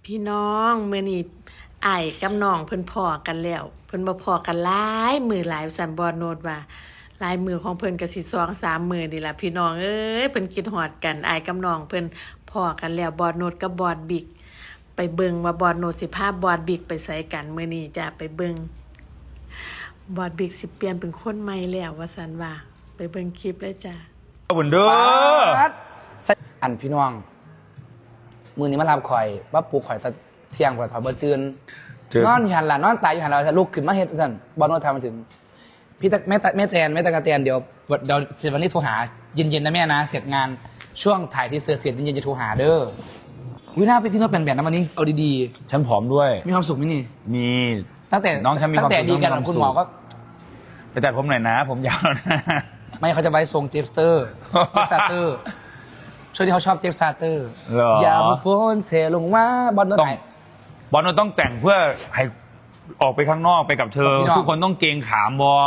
พี่น้องมื้อนี้อ้ายกับน้องเพิ่นพ้อกันแล้วเพิ่นบ่พ้อกันหลายมื้อหลายสันบ่โนดว่าหลายมื้อของเพิ่นก็สิ2-3 มื้อนี่ล่ะพี่น้องเอ้ยเพิ่นคิดฮอดกันอ้ายกับน้องเพิ่นพ้อกันแล้วบอดโนดกับบอดบิ๊กไปเบิ่งว่าบอดโนดสิพาบอดบิ๊กไปไสกันมื้อนี้จ้ะไปเบิ่งบอดบิ๊กสิเปลี่ยนเป็นคนใหม่แล้วว่าซั่นว่าไปเบิ่งคลิปเลยจ้ะบุญเด้ออันพี่น้องมือนี้มารับข่อยว่าปลูกข่อยตะเที่ยงข่อยเบอร์ตื่นนอนอยู่หันหลังนอนตายอยู่หันหลังลุกขึ้นมาเฮ็ดสั่นบอลโนทำมาถึงพี่ตะแม่ตะกะแตนเดี๋ยววันนี้โทรหาเย็นๆนะแม่นะเสร็จงานช่วงถ่ายที่เสือเสร็จเย็นๆจะโทรหาเด้อวินาพี่โน้ตเป็นแบบนั้นวันนี้เอาดีฉันผอมด้วยๆมีความสุขไหมนี่มีตั้งแต่น้องฉันมีความสุขตั้งแต่ดีกันคุณหมอก็ไปตัดผมหน่อยนะผมยาวแล้วนะไม่เขาจะไว้ทรงเจฟซาเตอร์ช่วงที่เขาชอบเจฟซาเตอร์อย่ามาโฟนเทลงว่าบอลโนไหนบอลเราต้องแต่งเพื่อให้ออกไปข้างนอกไปกับเธอทุกคนต้องเกรงขามบอ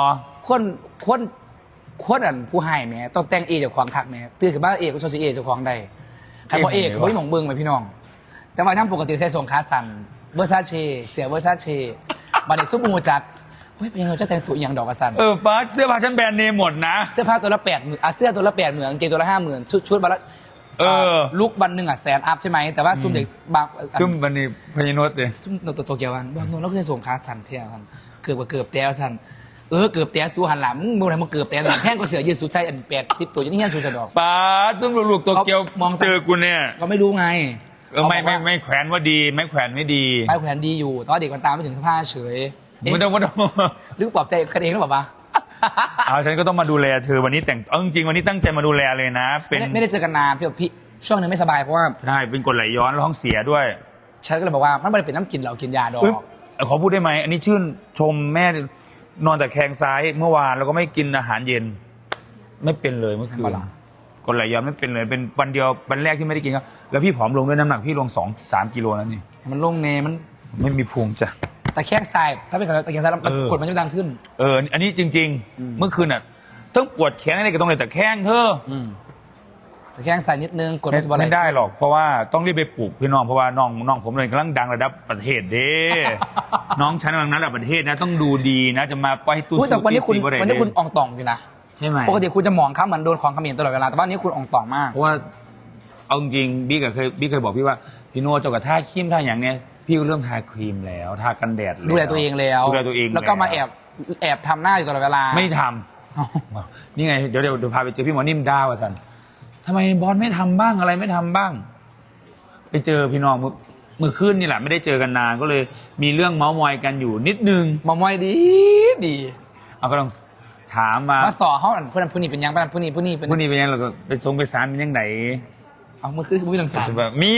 คนอันผู้ให้แม่ต้องแต่งเอเจ้าของคักแม่ตื่นขึ้นบ้านเอกก็ชอบซีเอเจ้าของได้ใครบอกเอกเขาไม่หมองเบิ้งไหมพี่น้องแต่ว่าทั้งปกติใช้ทรงขาสั้นเวอร์ซาเชเสียเวอร์ซาเชบัดเด็กซุปมูจัดเฮ้ยเป็นยังไงจะแต่งตัวอย่างดอกกระสันป้าเสื้อผ้าฉันแบรนด์เนมหมดนะเสื้อผ้าตัวละ80,000เสื้อตัวละ80,000กางเกงตัวละ50,000ชุดวันละลุกวันหนึ่ง100,000 อัพใช่ไหมแต่ว่าซุ่มเด็กบางซุ่มวันนี้พญานุษย์เลยซุ่มโตเกียววันบางโน้นเราเคยส่งขาสั้นเที่ยวกันเกือบแต้วสั้นเกือบแต้วสู้หันหลังมึงอะไรมึงเกือบแต้วหลังแห้งก็เสือยืดสู้ใส่อัน8 10ตัวยังเงี้ยสู้จะดอกป้าซุ่มลูกโตเกียวมองเจอกูเนี่ยก็ไม่รู้ไงไม่แขวนว่าดีไม่แขวนไม่ดีไม่แขวนดีอยู่ตอนเด็กมันตามไม่ถึงสภาพเฉยไม่ต้องหรือปลอบใจกันเองหรือเปล่าฉันก็ต้องมาดูแลเธอวันนี้แต่งจริงวันนี้ตั้งใจมาดูแลเลยนะไม่ได้เจอกันนานพี่ช่วงนึงไม่สบายเพราะว่าใช่เป็นกรดไหลย้อนแล้วท้องเสียด้วยฉันก็เลยบอกว่ามันไม่ได้เป็นน้ำกินเรากินยาดอกขอพูดได้ไหมอันนี้ชื่นชมแม่นอนแต่แคงซ้ายเมื่อวานแล้วก็ไม่กินอาหารเย็นไม่เป็นเลยเมื่อคืนกรดไหลย้อนไม่เป็นเลยเป็นวันเดียววันแรกที่ไม่ได้กินครับแล้วพี่ผอมลงด้วยน้ำหนักพี่ลง2-3 กิโลแล้วนี่มันลงเนมันไม่มีพุงจ้ะแต่แข้งซ้ายถ้าเป็นตะแคงซ้ายกดมันจะดังขึ้นอันนี้จริงๆเมื่อคืนต้องปวดแขนอะไรก็ต้องเลยแต่แข้งเธอแต่แข้งซ้ายนิดนึงกดไม่ได้หรอกเพราะว่าต้องรีบไปปลูกพี่น้องเพราะว่าน้องผมเลยกำลังดังระดับประเทศเด้น้องฉันกำลังนั้นระดับประเทศนะต้องดูดีนะจะมาปล่อยตู้แต่วันนี้คุณอ่องต่องอยู่นะใช่ไหมปกติคุณจะมองเขาเหมือนโดนของเขมิ้นตลอดเวลาแต่ว่านี้คุณอ่องต่องมากเพราะว่าเอาจริงบิ๊กเคยบอกพี่ว่าพี่โน่เจ้ากับท่าครีมท่าอย่างเนี้ยพี่เริ่มทาครีมแล้วทากันแดดแล้วดูแลตัวเองแล้วก็มาแอบทำหน้าอยู่ตลอดเวลาไม่ทำนี่ไงเดี๋ยวพาไปเจอพี่หมอนิ่มด้าว่าสันทำไมบอสไม่ทำบ้างอะไรไม่ทำบ้างไปเจอพี่น้องมือขึ้นนี่แหละไม่ได้เจอกันนานก็เลยมีเรื่องเมาส์มอยกันอยู่นิดนึงเมาส์มอยดีเอาก็ต้องถามมาสอเขาผู้นี้เป็นยังผู้นี้เป็นยังเราก็ไปส่งไปศาลเป็นยังไงเอามือขึ้นผู้นี้ต้องศาลมี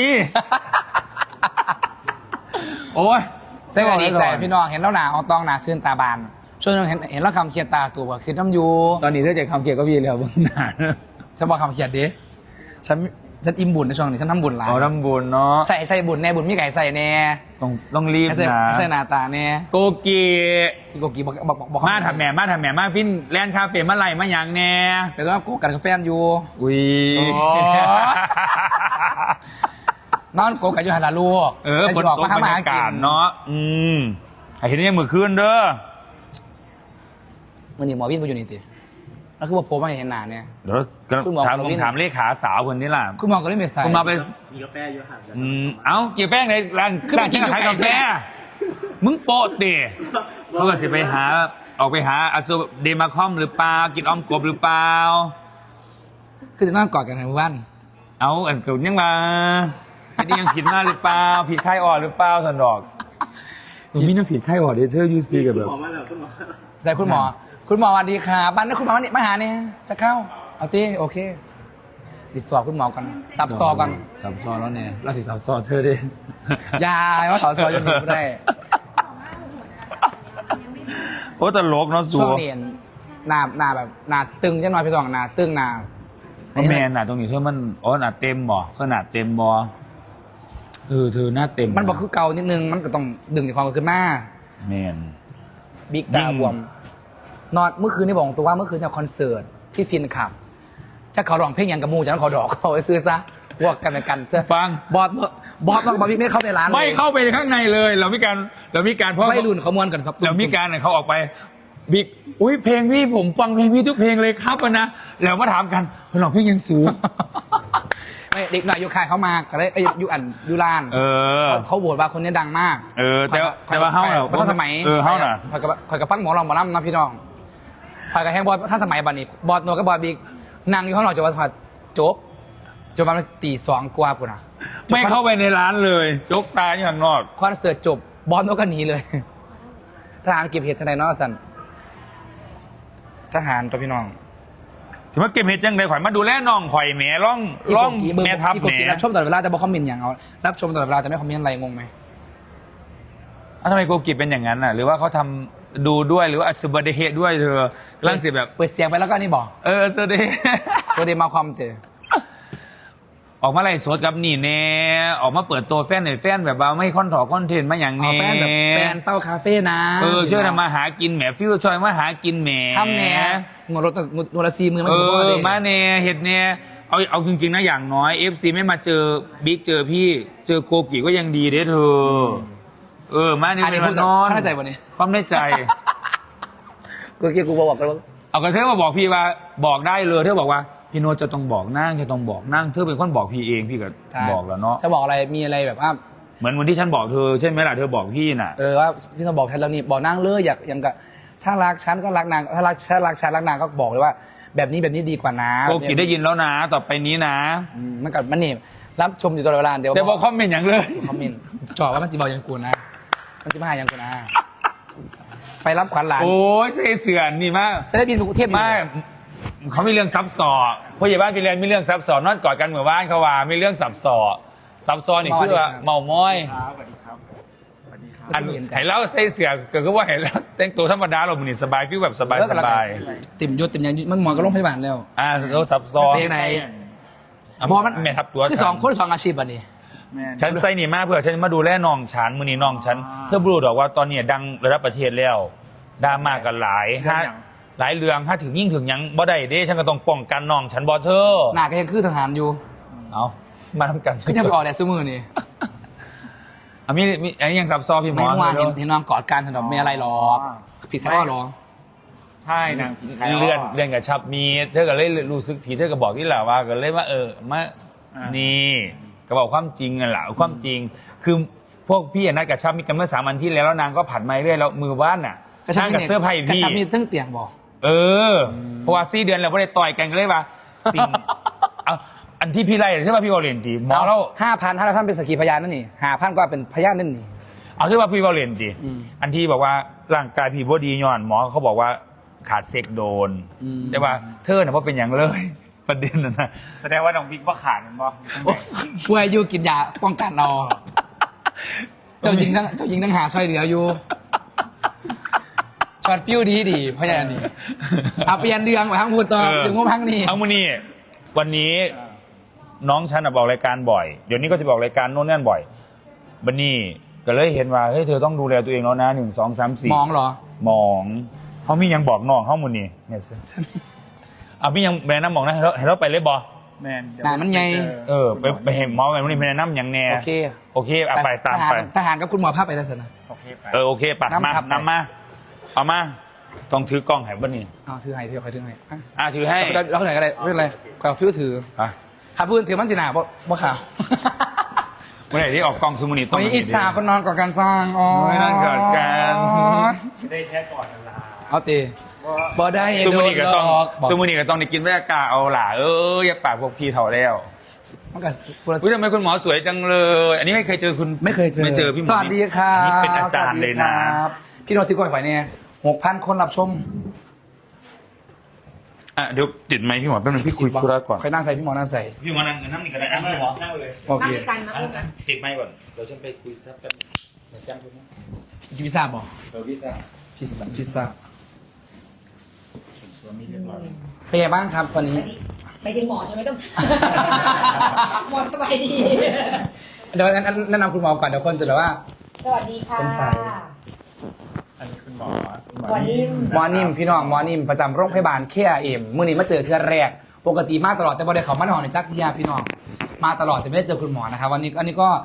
โอ้ยใช่บอกดีใจพี่น้องเห็นแล้วหนาเอาตองหนาซื่นตาบานช่วงนึงเห็นแล้วคำเคียดตาตัวคือน้ำยูตอนนี้ถ้าจะคำเคียดก็พี่แล้วเบื้องหน้าฉันบอกคำเคียดดิฉันอิ่มบุญในช่วงนี้ฉันทำบุญหลายทำบุญเนาะใส่บุญแน่บุญมีไก่ใส่แน่ต้องรีบนะใส่หน้าตาแน่โกกีบอกมาทำแม่มาฟินแลนด์คาเฟ่มาไหลมาอย่างแน่แต่ก็โกกันกับแฟนอยู่อุ้ยนอนโกกันอยู่หันหลังลูกคนตกบรรยากาศเนาะเห็นยังมือคืนเด้อมันนี่หมอวินไปอยู่นี่ติแล้วคือว่าผมไม่เห็นหน้าเนี่ยเดี๋ยวถามเลขาสาวคนนี้ล่ะคุณหมอก็เลยไม่ใส่คุณมาไปมีกาแฟอยู่ห่างกันเกี่ยวแป้งในร้านขายกาแฟมึงโปะเตะเขาก็จะไปหาออกไปหาอาซูเดมาคอมหรือเปล่ากินอ้อมกบหรือเปล่าคือจะนั่งกอดกันทั้งวันอันเกิดยังมาอันนี้ยังผิดมากหรือเปล่าผิดไข้อ่อนหรือเปล่าสันดอกมีน้ำผิดไข้อ่อนเดเธอยูซีกับแบบใจคุณหมอสวัสดีค่ะบ้านนี้คุณหมอมาหาเนี่ยจะเข้าเอาตีโอเคติดสอบคุณหมอกันสับซอกันสับซอแล้วเนี่ยเราสิสับซอเธอดิยายว่าสับซอยังอยู่ไม่ได้โอ้ตลกเนาะช่วงนี้หน้าแบบหน้าตึงจังหน่อยพี่ตองหน้าตึงหน้าแม่หน้าตรงนี้เธอมันหน้าเต็มบ่ขนาดเต็มบ่เธอหน้าเต็มมันบอกคือเก่านิดนึงมันก็ต้องดึงในความขึ้นมาแม่บิ๊กดาวบวมนอนเมื่อคืนนี่บอกตัวว่าเมื่อคืนเนี่ยคอนเสิร์ตที่ฟินขับจะเขาร้องเพลงยังกับมูจากนั้นเขาดอกเขาไปซื้อซะพวกกันเสื้อฟังบอบอสบอสบิ๊กไม่เข้าในร้านไม่เข้าไปข้างในเลย เรามีการเพราะไม่รุ่นเขามวนกันครับเรามีการเนี่ยเขาออกไปบิ๊กอุ้ยเพลงพี่ผมฟังเพลงพี่ทุกเพลงเลยครับนะแล้วมาถามกันหลอกเพลงยังสูงไม่เด็กหน่อยยุคคายเขามาก็เลยยุราน เขาโหวตว่าคนนี้ดังมากแต่ว่าเฮ้าเหรอถ้าสมัยเฮ้าน่ะคอยกับฟังหมอลำนะพี่น้องคอยกับแฮงบอสถ้าสมัยบัดนี้บอสโนกับบอสบิ๊กนั่งอยู่ข้างนอกจนว่าจบประมาณตี 2 กว่าปุ่นอ่ะไม่เข้าไปในร้านเลยจกตาอยู่ข้างนอกคอนเสิร์ตจบบอสโนก็หนีเลยทหารเก็บเห็ดทนายนอกสันทหารตัวพี่น้องถือว่าเก็บเห็ดจังเลยข่อยมาดูแลน้องข่อยแหมร่องแม่ทับพี่แหกดมรับชมตลอดเวลาแต่บอกคอมเมนต์อย่างเอารับชมตลอดเวลาแต่ไม่คอมเมนต์อะไรงงไหมทำไมโกกิเป็นอย่างนั้นอ่ะ หรือว่าเขาทำดูด้วยหรือว่าอัศบเดเฮด้วยเธอร่างเสียแบบเปิดเสียงไปแล้วก็นี่บอกเสด็จตัวเดมาความเตะออกมาไล่สดกับนี่แน่ออกมาเปิดตัวแฟนหน่อยแฟนแบบว่าไม่คอนเทนต์มาอย่างอ๋อแน่แฟนแบบแฟนเต้าคาเฟ่นะช่วยทำมาหากินแหมฟิวช่วยมาหากินแหมทำแหน่งวดรถงวดละ4 มือมันมาแน่เห็ดแน่เอาจริงๆนะอย่างน้อย FC ไม่มาเจอบิ๊กเจอพี่เจอโกกิก็ยังดีเด้เธอมาเนี่ยเป็นวันนอนข้าใจวันนี้ความในใจกูบอกกันว่าเอากระเทยมาบอกพี่ว่าบอกได้เลยเธอบอกว่าพี่โนตจะต้องบอกนั่งจะต้องบอกนั่งเธอเป็นคนบอกพี่เองพี่ก็บอกแล้วเนาะจะบอกอะไรมีอะไรแบบว่าเหมือนวันที่ฉันบอกเธอใช่ไหมล่ะเธอบอกพี่น่ะว่าพี่ต้องบอกแทนเรานี่บอกนางเลยอยากยังกับถ้ารักฉันก็รักนางถ้ารักฉันรักนางก็บอกเลยว่า แบบนี้ดีกว่านะโกกิได้ยินแล้วนะต่อไปนี้นะมันกับมันนี่รับชมอยู่ตลอดเวลาเดี๋ยวแต่บอกคอมเมนต์อย่างเลยคอมเมนต์จ่อว่ามันจีบอกยังกูนะมันจีมาหายังกูนะไปรับขวัญหลานโอ้ยเสือนนี่มากจะได้บินไปกรุงเทพไม่เขามีเรื่องซับซ้อนผู้ใหญ่บ้านพี่เรียนมีเรื่องซับซ้อนนอนกอดกันเหมือนบ้านเขาว่ามีเรื่องซับซ้อนนี่คือว่าเมาม้อยอันเห็นแล้วใส่เสือเกิดก็ว่าเห็นแล้วแต่งตัวธรรมดาเราเหมือนสบายฟิวแบบสบายติ่มยศติ่มยังมันหมอนก็ลงพยาบาลแล้วเราซับซ้อนเพลงไหนบอมันแม่ทับตัวคือ2 คน 2 อาชีพอันนี้ฉันใส่นี่มากเพื่อฉันมาดูแลน้องฉันมือนี้น้องฉันเธอบรูดอกว่าตอนนี้ดังระดับประเทศแล้วดราม่ากันหลายเรื่องถ้าถึงยิ่งถึงยังบ่ได้เด้ฉันก็ต้องป้องกันน้องฉันบ่เธอหน้าก็ยังคือทหารอยู่เอามาทำกันก็จะไปออกแดดซื้อมือนี่มีอันนี้ยังซับซ้อนพี่หมไม่อเมื่อวานเห็นน้องกอดกันถนอมไม่อะไรหรอกผิดแค่ว่าหรอใช่นางผีขายเลื่อนกับชับมีเธอก็เลยรู้สึกผีเธอก็บอกที่แหละว่าก็เลยว่ามานี่ก็บอกความจริงอ่ะแหละความจริง คือพวกพี่นัดกับชับมีกันเมื่อ3 วันที่แล้วนางก็ผัดไม้เรื่อยแล้วมือบ้านน่ะนางกับเสื้อผ้าพี่พี่กระชับมีทั้งเตียงบอกเพราะว่า4 เดือนเราไม่ได้ต่อยกันก็เลยว่าสิ่งอันที่พี่ไล่ที่ว่าพี่วอลเลนตีหมอเรา 5,000ถ้าเราท่านเป็นสักขีพยานนั่นนี่5,000ก็เป็นพยานนั่นนี่เอาที่ว่าพี่วอลเลนตีอืมอันที่บอกว่าร่างกายพี่บอดีย้อนหมอเขาบอกว่าขาดเซ็กโดน แต่ว่าเธอเนี่ยว่าเป็นอย่างเลย ประเด็นนะแสดงว่าน้องบิ๊กว่าขาดมันบ่ป่วยอยู่กินยาป้องกันเราเจ้าหญิงทั้งหาช่วยเหลืออยู่ช็อตฟิวดีเพราะอย่างนี้เอาเปลี่ยนเรื่องไปทั้งพูดต่อถึงงบทั้งนี้เอามานี่วันนี้น้องฉันบอกรายการบ่อยเดี๋ยวนี้ก็จะบอกรายการโน่นนั่นบ่อยบันนี่ก็เลยเห็นว่าเฮ้ยเธอต้องดูแลตัวเองแล้วนะ1 2 3 4 มองเหรอมองเขามียังบอกน้องเขาหมดนี่เนี่ยสิเอาพี่ยังแนะนำบอกนะให้เราไปเลยบอแมนเดี๋ยวหนามันไงไปเห็นหมอไปวันนี้ไปแนะนำอย่างแน่โอเคไปตามไปทหารกับคุณหมอภาพไปได้สินะโอเคไปโอเคปะนำมาครับนำมาเอามาต้องถือกล้องให้บ้านี่ถือให้คอยถือให้ถือให้เราไหนก็ได้ไม่เป็นไรขอฟิวถืออ่ะขับพื้นถือมันสิหนาบ่ข่าวเมื่อไหร่ที่ออกกล้องซูมูนิต้องวันนี้อิจฉาคนนอนก่อนการสร้างอ๋อไม่นั่นก่อนกันไม่ได้แค่ก่อนนะเอาตีบ่ได้ซูโดมูนนิก็หลต้องอกซูมูนิก็ต้องได้กินบรรยากาศเอาล่ะอย่าปากพวกพี่เถ่าแล้วมันก็พูดอุ้ยทำไมคุณหมอสวยจังเลย อันนี้ไม่เคยเจอคุณไม่เคยเจอไม่เจอพี่หมอสวัสดีครับอันนี้เป็นอาจารย์เลยนะสวัสดีครับพี่โนติกอยฝ่ายเนี่ย6,000 คนรับชมเดี๋ยวติดไหมค์พี่หมอแป๊บนึงพี่คุยธุระก่อนใครนั่งใส่พี่หมอนั่งใส่พี่หมอนั่งนี่ก็ได้นั่งเลยหมอนั่งเลยโอเคติดไหมค์ก่อนเดี๋ยวฉันไปคุยครับแป๊บนึงมาแซงคุณนะกินพิซซ่าบอกพี่ซ่าพิซซ่าตัวมีเรียบร้อยเป็นไงบ้างครับวันนี้ไปถึงหมอใช่ไหมต้อง หมอสบายดีเดี๋ยวงั้นแนะนำคุณหมอก่อนเดี๋ยวคนจะแบบว่าสวัสดีค่ะสงสัยอันนี้คุณหมอวันนี้หมอนิ่มพี่น้องหมอนิ่มประจำโรงพยาบาลเคอาเอ็มมื่อนี้มาเจอเทื่อแรก ปกติมาตลอดแต่บ่ได้เขามาหนอนในจักรยาพี่น้องมาตลอดแต่ไม่ได้เจอคุณหมอนะครับวันนี้ก็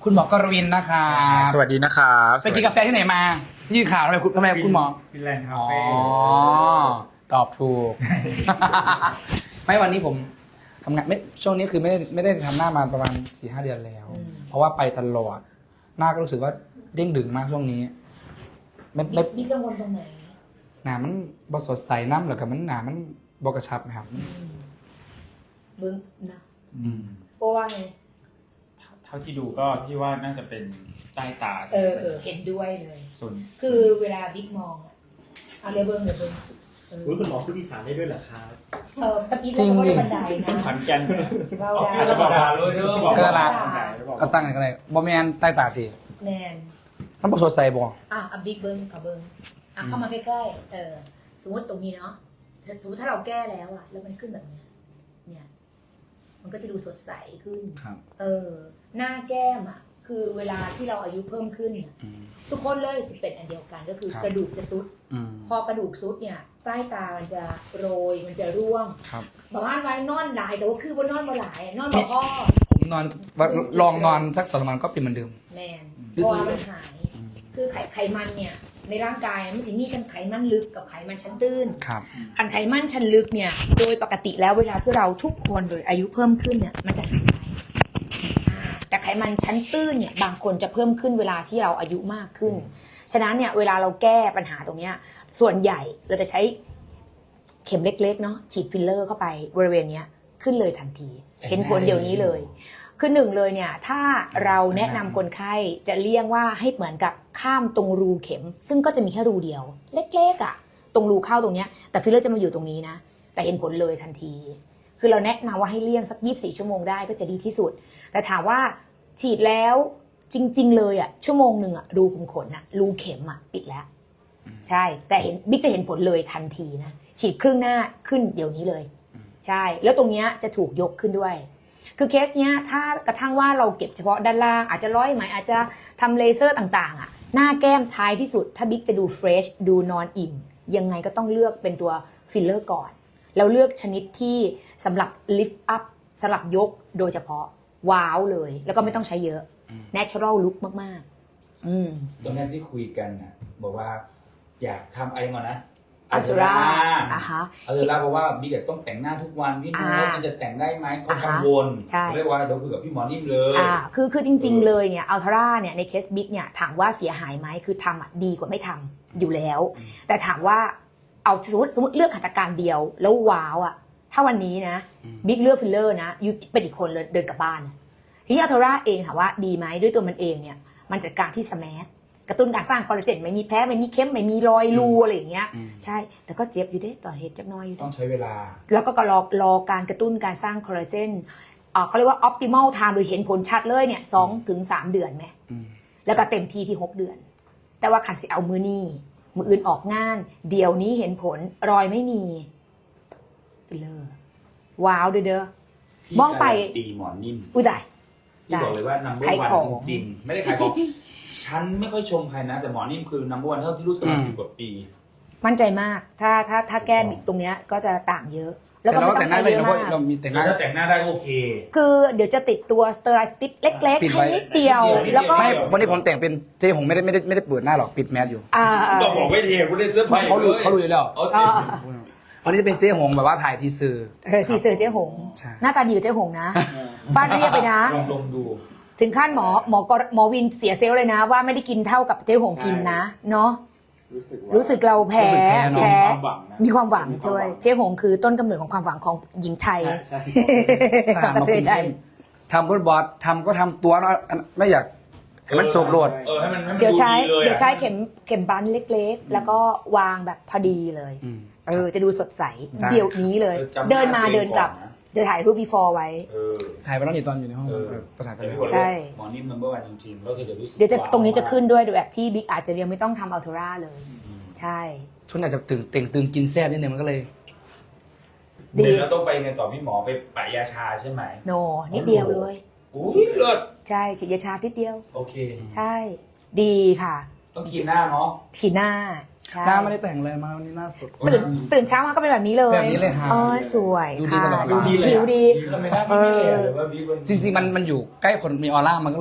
คุณหมอกรวินนะคะสวัสดีนะครับไปกินกาแฟที่ไหนมา ที่ข่าวทำไมคุณหมอฟินแลนด์คาอ๋อเฟ่ตอบถูก ไม่วันนี้ผมทำงานไม่ช่วงนี้คือไม่ได้ทำหน้ามาประมาณ 4-5 เดือนแล้ว เพราะว่าไปตลอด หน้าก็รู้สึกว่าเด้งดึงมากช่วงนี้ไม่มีกังวลตรงไหนหนามันบสดใสน้ำหรือกับมันหนามันบกระชับนะครับมึงนะอืมเพราะว่าไงเท่าที่ดูก็พี่ว่าน่าจะเป็นใต้ตาเห็นด้วยเลยส่วนคือเวลาบิ๊กมองอะเอาเรือเบิ้งคุณหมอพูดอีสานได้ด้วยเหรอครับตะกี้เราก็ได้บันไดนะขอนแก่นเราอาจจะบอกว่าเลยเด้อบอกว่าก็ตั้งอะไรบอแมนใต้ตาสิแมนมันบสดใสบ่บิ๊กเบิ้งกับเบิ้งเข้ามาใกล้ๆสมมติตรงนี้เนาะสมมติถ้าเราแก้แล้วอะแล้วมันขึ้นแบบเนี้ยเนี่ยมันก็จะดูสดใสขึ้นครับหน้าแก้มอ่ะคือเวลาที่เราอายุเพิ่มขึ้นเนี่ยทุกคนเลยสิเป็นอันเดียวกันก็คือกระดูกจะซุด พอกระดูกซุดเนี่ยใต้ตามันจะโรยมันจะร่วงครับบางวันวันนอนหลายแต่ว่าคือว่านอนมาหลายนอนมาพ่อผมนอนลองนอนสัก2 วันก็เป็นเหมือนเดิมแมนเพราะว่ามันหาย คือไขมันเนี่ยในร่างกายมันจะมีกันไขมันลึกกับไขมันชั้นตื้นครับคันไขมันชั้นลึกเนี่ยโดยปกติแล้วเวลาที่เราทุกคนโดยอายุเพิ่มขึ้นเนี่ยมันจะหายไปแต่ไขมันชั้นตื้นเนี่ยบางคนจะเพิ่มขึ้นเวลาที่เราอายุมากขึ้น ฉะนั้นเนี่ยเวลาเราแก้ปัญหาตรงเนี้ยส่วนใหญ่เราจะใช้เข็มเล็กๆเนาะฉีดฟิลเลอร์เข้าไปบริเวณเนี้ยขึ้นเลยทันที เห็นผลเดี๋ยวนี้เลยคือหนึ่งเลยเนี่ยถ้าเราแนะนำคนไข้จะเลี่ยงว่าให้เหมือนกับข้ามตรงรูเข็ม ซึ่งก็จะมีแค่รูเดียว เล็กๆอ่ะตรงรูเข้าตรงเนี้ยแต่ฟิลเลอร์จะมาอยู่ตรงนี้นะแต่เห็นผลเลยทันที คือเราแนะนำว่าให้เลี่ยงสัก24 ชั่วโมงได้ก็จะดีที่สุดแต่ถามว่าฉีดแล้วจริงๆเลยอ่ะชั่วโมงหนึ่งอ่ะรูขุมขนอ่ะรูเข็มอ่ะปิดแล้วใช่แต่เห็นบิ๊กจะเห็นผลเลยทันทีนะฉีดครึ่งหน้าขึ้นเดี๋ยวนี้เลยใช่แล้วตรงเนี้ยจะถูกยกขึ้นด้วยคือเคสเนี้ยถ้ากระทั่งว่าเราเก็บเฉพาะด้านล่างอาจจะร้อยไหมอาจจะทำเลเซอร์ต่างๆอ่ะหน้าแก้มท้ายที่สุดถ้าบิ๊กจะดูเฟรชดูนอนอิ่มยังไงก็ต้องเลือกเป็นตัวฟิลเลอร์ก่อนแล้วเลือกชนิดที่สำหรับ lift up สำหรับยกโดยเฉพาะว้าวเลยแล้วก็ไม่ต้องใช้เยอะ natural look มากๆตอนแรกที่คุยกันน่ะบอกว่าอยากทำอะไรก่อนนะอัลตราฮะอัลตราเพราะว่าบิ๊กต้องแต่งหน้าทุกวันพี่โน้ตมันจะแต่งได้ไหมเขากังวลใช่เรียกว่าเดี๋ยวคุยกับพี่หมอนิ่มเลยคือจริงๆเลยเนี่ยอัลตราเนี่ยในเคสบิ๊กเนี่ยถามว่าเสียหายไหมคือทำอ่ะดีกว่าไม่ทำอยู่แล้วแต่ถามว่าเอาสมมติเลือกหัตถการเดียวแล้วว้าวอ่ะถ้าวันนี้นะบิ๊กเลือกฟิลเลอร์นะยูเป็นอีกคนเลยเดินกลับบ้านทีนี้อัลตราเองถามว่าดีไหมด้วยตัวมันเองเนี่ยมันจัดการที่สแมทกระตุ้นการสร้างคอลลาเจนไม่มีแผลไม่มีเค็มไม่มีรอยรูอะไรอย่างเงี้ยใช่แต่ก็เจ็บอยู่เด้ต่อเหตุจักน้อยอยู่ต้องใช้เวลาแล้วก็รอการกระตุ้นการสร้างคอลลาเจนเขาเรียกว่า optimal time โดยเห็นผลชัดเลยเนี่ย2 ถึง 3 เดือนไหมแล้วก็เต็มที่ที่6 เดือนแต่ว่าขันสิเอามือนี่มืออื่นออกงานเดี๋ยวนี้เห็นผลรอยไม่มีฟิลเลอร์ว้าวเด้อมองไปตีหมอนิ่มอุ้ยได้พี่บอกเลยว่า number ขายของ one จริงๆ ไม่ได้ขายของ ฉันไม่ค่อยชมใครนะ แต่หมอนิ่มคือ number one เท่าที่รู้จักมา10 กว่าปีมั่นใจมากถ้าแก้บิดตรงเนี้ยก็จะต่างเยอะ แล้วก็แต่ไม่เราต้แต่องงหน้าใช้ได้เยอะเพราะมากเรามีแต่งหแล้น้าวถ้าแต่งหน้าได้ก็โอเคคือเดี๋ยวจะติดตัวสเตอไรสติ๊กเล็กปิดๆไว้ให้นิดเดียวแล้วก็ไม่วันนี้ผมแต่งเป็นเจ๊หงไม่ได้เปิดหน้าหรอกปิดแมสอยู่ก็บอกไม่เทกูได้เสื้อผ้าเขารู้อยู่แล้วเอาเทวันนี้จะเป็นเจ๊หงแบบว่าถ่ายทีเซอร์ทีเซอร์เจ๊หงใช่หน้าตาดีกว่าเจ๊หงนะฟาดเรียบไปนะลองดูถึงขั้นหมอวินเสียเซลล์เลยนะ ว่าไม่ได้กินเท่ากับเจ๊หงกินนะเนาะรู้สึกเราแพ้ มีความหวังช่วยเจ๊หงคือต้นกำเนิดของความหวังของหญิงไทยทหารมาคุมเข้มทำบทบอสทำก็ทำตัวเนาะไม่อยากให้มันจบโหลดให้มันเดี๋ยวใช้ลเข็มบันเล็กๆ แล้วก็วางแบบพอดีเลยจะดูสดใสได้เดี๋ยวนี้เลย เดินมาเดินกลับเดี๋ยวถ่ายรูป before ไว้ถ่ายไปแล้วนี่ตอนอยู่ในห้องประสานกันเลยใช่หมอนิ่ม number one จริงๆแล้วเธอจะรู้สึกเดี๋ยวจะตรงนี้จะขึ้นด้วยแบบที่บิ๊กอาจจะยังไม่ต้องทำอัลตราเลย ใช่ชุดอาจจะตึงกินแซ่บนิดนึงมันก็เลยดีเดี๋ยวเราต้องไปไงต่อพี่หมอไปปะยาชาใช่ไหมโนนิดเดียวเลยอู้เลิศใช่ฉีดยาชาทิดเดียวโอเคใช่ ดีค่ะต้องคีนหน้าเนาะขีหน้าใช่หน้าไม่ได้แต่งเลยมาวันนี้หน้าสดตื่นเช้ามาก็เป็นแบบนี้เลยแบบนี้เลยค่ะสวยดูดีค่ะตลอดดูดีเลยผิวดีทำไมหน้าไม่เหลยหรือว่าบิ๊กจริงๆมันอยู่ใกล้คนมีออร่ามันก็เลยแบบ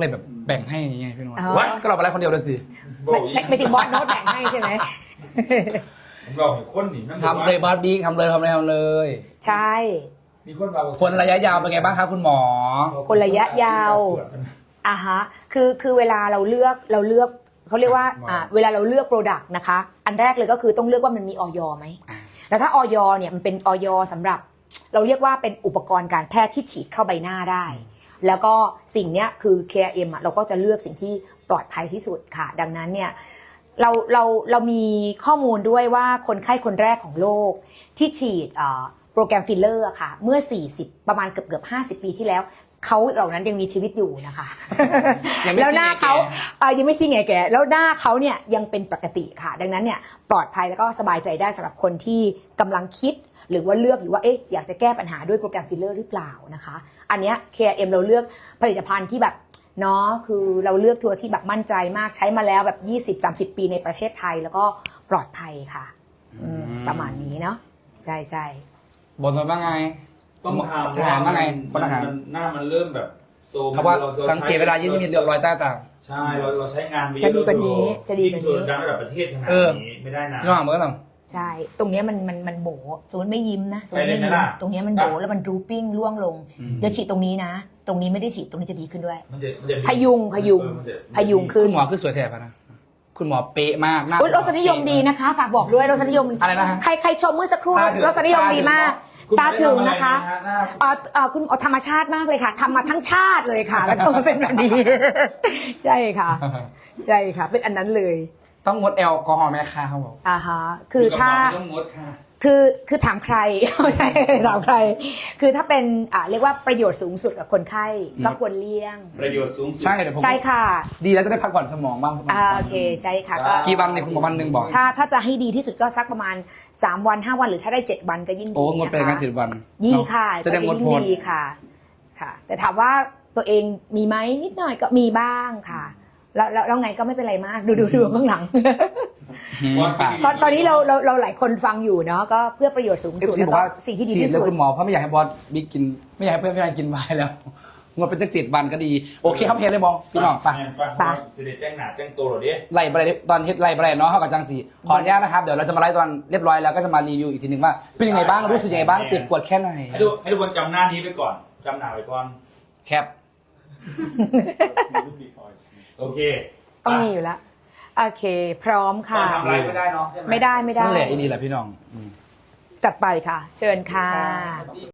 แบ่งให้ยังไงพี่น้องอ๋อวัดก็เราไปไล่คนเดียวเลยสิไม่ถึงบอสโน้ตแบ่งให้ใช่ไหมผมบอกให้คนหนีนั่นทำเลยบอสบิ๊กทำเลยใช่มีคนเราคนระยะยาวเป็นไงบ้างครับคุณหมอคนระยะยาว อ่ะฮะคือเวลาเราเลือกเขาเรียกว่าเวลาเราเลือกโปรดักต์นะคะ อันแรกเลยก็คือต้องเลือกว่ามันมีออยไหม แล้วถ้าออยเนี่ยมันเป็นออยสำหรับ เราเรียกว่าเป็นอุปกรณ์การแพทย์ที่ฉีดเข้าใบหน้าได้ แล้วก็สิ่งเนี้ยคือ KRM เราก็จะเลือกสิ่งที่ปลอดภัยที่สุดค่ะ ดังนั้นเนี่ยเรามีข้อมูลด้วยว่าคนไข้คนแรกของโลกที่ฉีดโปรแกรมฟิลเลอร์ค่ะเมื่อ40ประมาณเกือบ50 ปีที่แล้วเขาเหล่านั้นยังมีชีวิตอยู่นะคะ แล้วหน้าเขายังไม่ซีแก่แล้วหน้าเขาเนี่ยยังเป็นปกติค่ะ ดังนั้นเนี่ยปลอดภัยแล้วก็สบายใจได้สำหรับคนที่กำลังคิดหรือว่าเลือกอยู่ว่าอยากจะแก้ปัญหาด้วยโปรแกรมฟิลเลอร์หรือเปล่านะคะอันเนี้ย KRM เราเลือกผลิตภัณฑ์ที่แบบเนาะคือเราเลือกตัวที่แบบมั่นใจมากใช้มาแล้วแบบ20-30 ปีในประเทศไทยแล้วก็ปลอดภัยค่ะประมาณนี้เนาะใช่บนมาบ้างไงต้องถามถามว่าไงคนอาหารหน้ามันเริ่มแบบโซมเขาว่าสังเกตเวลายิ่งมีรอยใต้ตาใช่เราใช้งานไปจะดีกว่านี้จะดีกว่านี้ดังระดับประเทศขนาดนี้ไม่ได้นะพี่น้องเหมือนกันใช่ตรงเนี้ยมันโบสมมติไม่ยิ้มนะสมมติไม่ไปเลยยิ้นะมล่ะตรงเนี้ยมันโบแล้วมันรูปปิ้งร่วงลงอืมเดี๋ยวฉีดตรงนี้นะ ตรงนี้ไม่ได้ฉีดตรงนี้จะดีขึ้นด้วยมันจะมีพยุงขึ้คุนณหมอคือสวยแสบนะคุณหมอเป๊ะมากหน้าอุ๊ยรสนิยมดีนะคะ ฝากบอกด้วยรสนิยมอะไรนะฮะใครชมเมื่อสักครู่ตาถึงรสนิยมดีมากคุณตาถึงนะคะหน้าคุณธรรมชาติมากเลยค่ะทำมาทั้งชาติเลยค่ะ แล้วก็มาเป็นแบบนี้ ใช่ค่ะ ใช่ค่ะ เป็นอันนั้นเลยต้องงดแอลกอฮอล์ไหมคะเขาบอกอ่าฮะคือถ้าต้องงดค่ะคือถามใคร ถามใคร คือถ้าเป็นเรียกว่าประโยชน์สูงสุดกับคนไข้ก็ควรเลี่ยงประโยชน์สูงสุดใช่เดี๋ยวผมใช่ค่ะดีแล้วจะได้พักผ่อนสมองบ้างโอเคใช่ค่ะก็กี่วันในคุณหมอวันหนึ่งบอกถ้าจะให้ดีที่สุดก็สักประมาณ3 วัน5 วันหรือถ้าได้7 วันก็ยิ่งดีโอ้งดไปนะคะกัน10 วันยี่ค่ะจะได้งดยิ่โพงลดีค่ะค่ะ แต่ถามว่าตัวเองมีไหมนิดหน่อยก็มีบ้างค่ะ แล้วไงก็ไม่เป็นไรมากดูข้างหลัง ตอนนี้เราหลายคนฟังอยู่เนาะก็เพื่อประโยชน์สูงสุดซีแล้วบอกก็ว่าสิ่งที่ดีฉีดที่แล้วสุดคุณหมอเพราะไม่อยากให้บอสบิ๊กกิน ไม่อยากให้เพื่อนกินไวน์แล้วงดเป็นจัก7 วันก็ดีโอเคครับเฮียเลยบอพี่น้องไปไปสิเดแจ้งหนาแจ้งตัวหรอดิไล่ไปเลยตอนเฮ็ดไล่ไปเลยเนาะเท่ากับจังสีขออนุญาตนะครับเดี๋ยวเราจะมาไล่ตอนเรียบร้อยแล้วก็จะมารีวิวอีกทีหนึ่งว่าเป็นยังไงบ้างรู้สึกยังไงบ้างเจ็บปวดแค่ไหนให้ทุกคนจำหน้านี้ไปก่อนจำหน้าไว้ก่อนแคปโอเคต้องมีอยู่แล้วโอเค พร้อมค่ะทำอะไรไม่ได้เนาะใช่ไหมไม่ได้นั่นแหละอีนี่แหละพี่น้องจัดไปค่ะ เชิญค่ะ